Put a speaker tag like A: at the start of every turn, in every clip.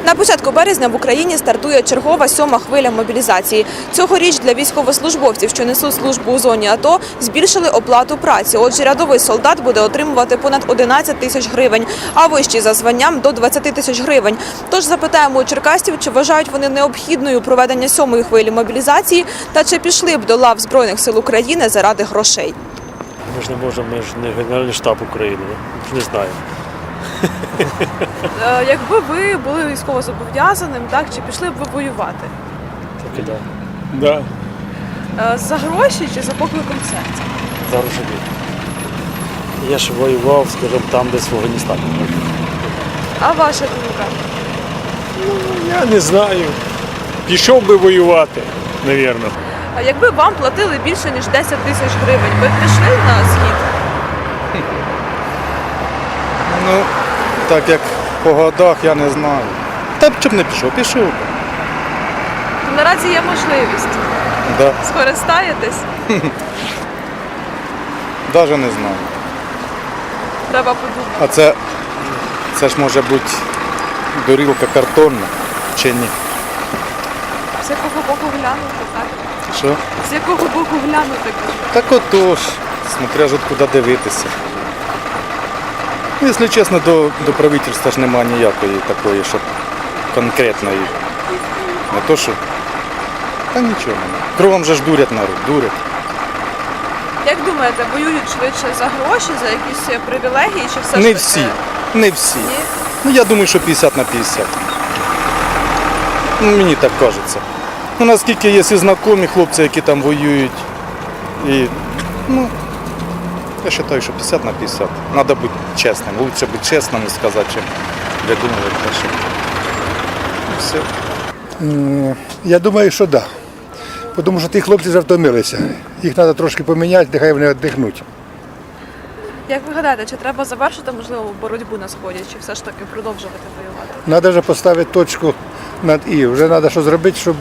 A: На початку березня в Україні стартує чергова 7-ма хвиля мобілізації. Цьогоріч для військовослужбовців, що несуть службу у зоні АТО, збільшили оплату праці. Отже, рядовий солдат буде отримувати понад 11 тисяч гривень, а вищий за званням – до 20 тисяч гривень. Тож запитаємо у черкасців, чи вважають вони необхідною проведення 7-ї хвилі мобілізації та чи пішли б до лав Збройних сил України заради грошей.
B: Ми ж не можемо, ми ж не Генеральний штаб України, ми ж не знаємо.
A: Якби ви були військовозобов'язаним, так, чи пішли б ви воювати?
B: Так і да.
C: Да.
A: За гроші чи за покликом серця?
B: Зараз собі. Я ж воював, скажімо, там, десь в Афганістані.
A: А ваша думка?
C: Я не знаю. Пішов би воювати, мабуть.
A: А якби вам платили більше, ніж 10 тисяч гривень, ви б пішли на схід?
D: Ну, так як по годах, я не знаю. Та б чим не пішов, пішов.
A: То наразі є можливість.
D: Да.
A: Скористаєтесь?
D: Навіть не знаю.
A: Треба подумати.
D: А це ж може бути дорілка картонна чи ні?
A: З якого боку глянути, так?
D: Що?
A: З якого боку глянути, кажу.
D: Так отож, смотря ж куди дивитися. Ну, якщо чесно, до правительства ж немає ніякої такої, щоб конкретної. Не то що. Та нічого немає. Кровом же ж дурять народ, дурять.
A: Як думаєте, воюють швидше за гроші, за якісь привілегії, чи все ж
D: Не
A: таки?
D: всі, не всі.
A: Ні?
D: Ну, я думаю, що 50 на 50. Ну, мені так кажеться. Ну, наскільки є і знайомі хлопці, які там воюють. І, ну, я вважаю, що 50 на 50. Треба бути чесним. Лучше бути чесним і сказати, чим видумувати те, що. І все.
E: Я думаю, що так. Да. Тому що ті хлопці вже втомилися. Їх треба трошки поміняти, нехай вони віддихнуть.
A: Як ви гадаєте, чи треба завершити, можливо, боротьбу на Сході, чи все ж таки продовжувати воювати?
E: Треба вже поставити точку над «і». Вже треба щось зробити, щоб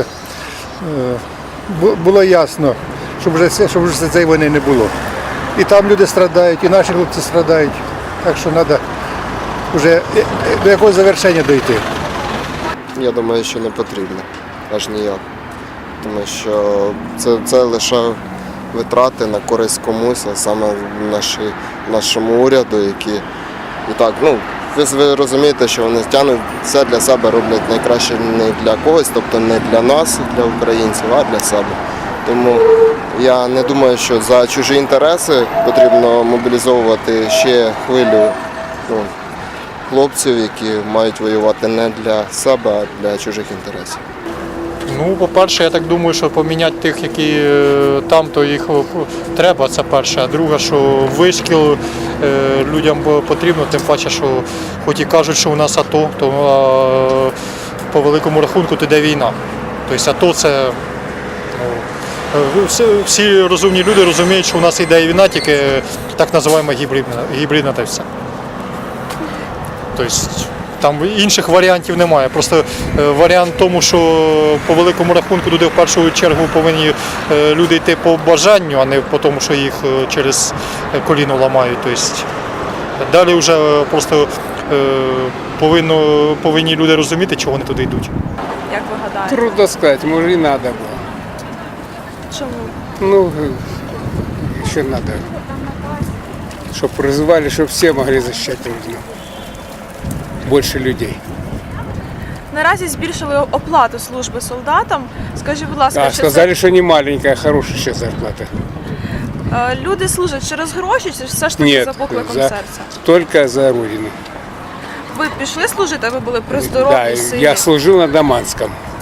E: було ясно, щоб вже цієї війни не було. І там люди страдають, і наші хлопці страдають. Так що треба вже до якогось завершення дійти.
F: Я думаю, що не потрібно, аж ніяк. Тому що це лише витрати на користь комусь, а саме нашому уряду, які і так, ну, ви розумієте, що вони тягнуть все для себе, роблять найкраще не для когось, тобто не для нас, для українців, а для себе. Тому я не думаю, що за чужі інтереси потрібно мобілізовувати ще хвилю хлопців, які мають воювати не для себе, а для чужих інтересів.
G: Ну, по-перше, я так думаю, що поміняти тих, які там, то їх треба, це перше. А друге, що вишкіл людям потрібно, тим паче, що хоч і кажуть, що у нас АТО, то по великому рахунку то йде війна. Тобто АТО це, всі розумні люди розуміють, що у нас йде війна, тільки так називаємо гібридна та все. Тобто там інших варіантів немає. Просто варіант в тому, що по великому рахунку туди в першу чергу повинні люди йти по бажанню, а не по тому, що їх через коліно ламають. Тобто далі вже просто повинні люди розуміти, чого вони туди йдуть.
A: Як ви гадаєте?
H: Трудно сказать, может и надо было.
A: Чому?
H: Ну, еще надо, чтобы призывали, чтобы все могли защищать Родину. Больше людей.
A: Наразі збільшили оплату служби солдатам. Скажіть, будь ласка,
H: А
A: чи
H: сказали, что не маленькая, хорошая сейчас зарплата.
A: люди служать через гроші, чи все ж таки
H: Нет,
A: за покликом серця?
H: только за Родину.
A: Ви пішли служити, ви були при
H: Да,
A: здоровій силі?
H: я служил на Даманском.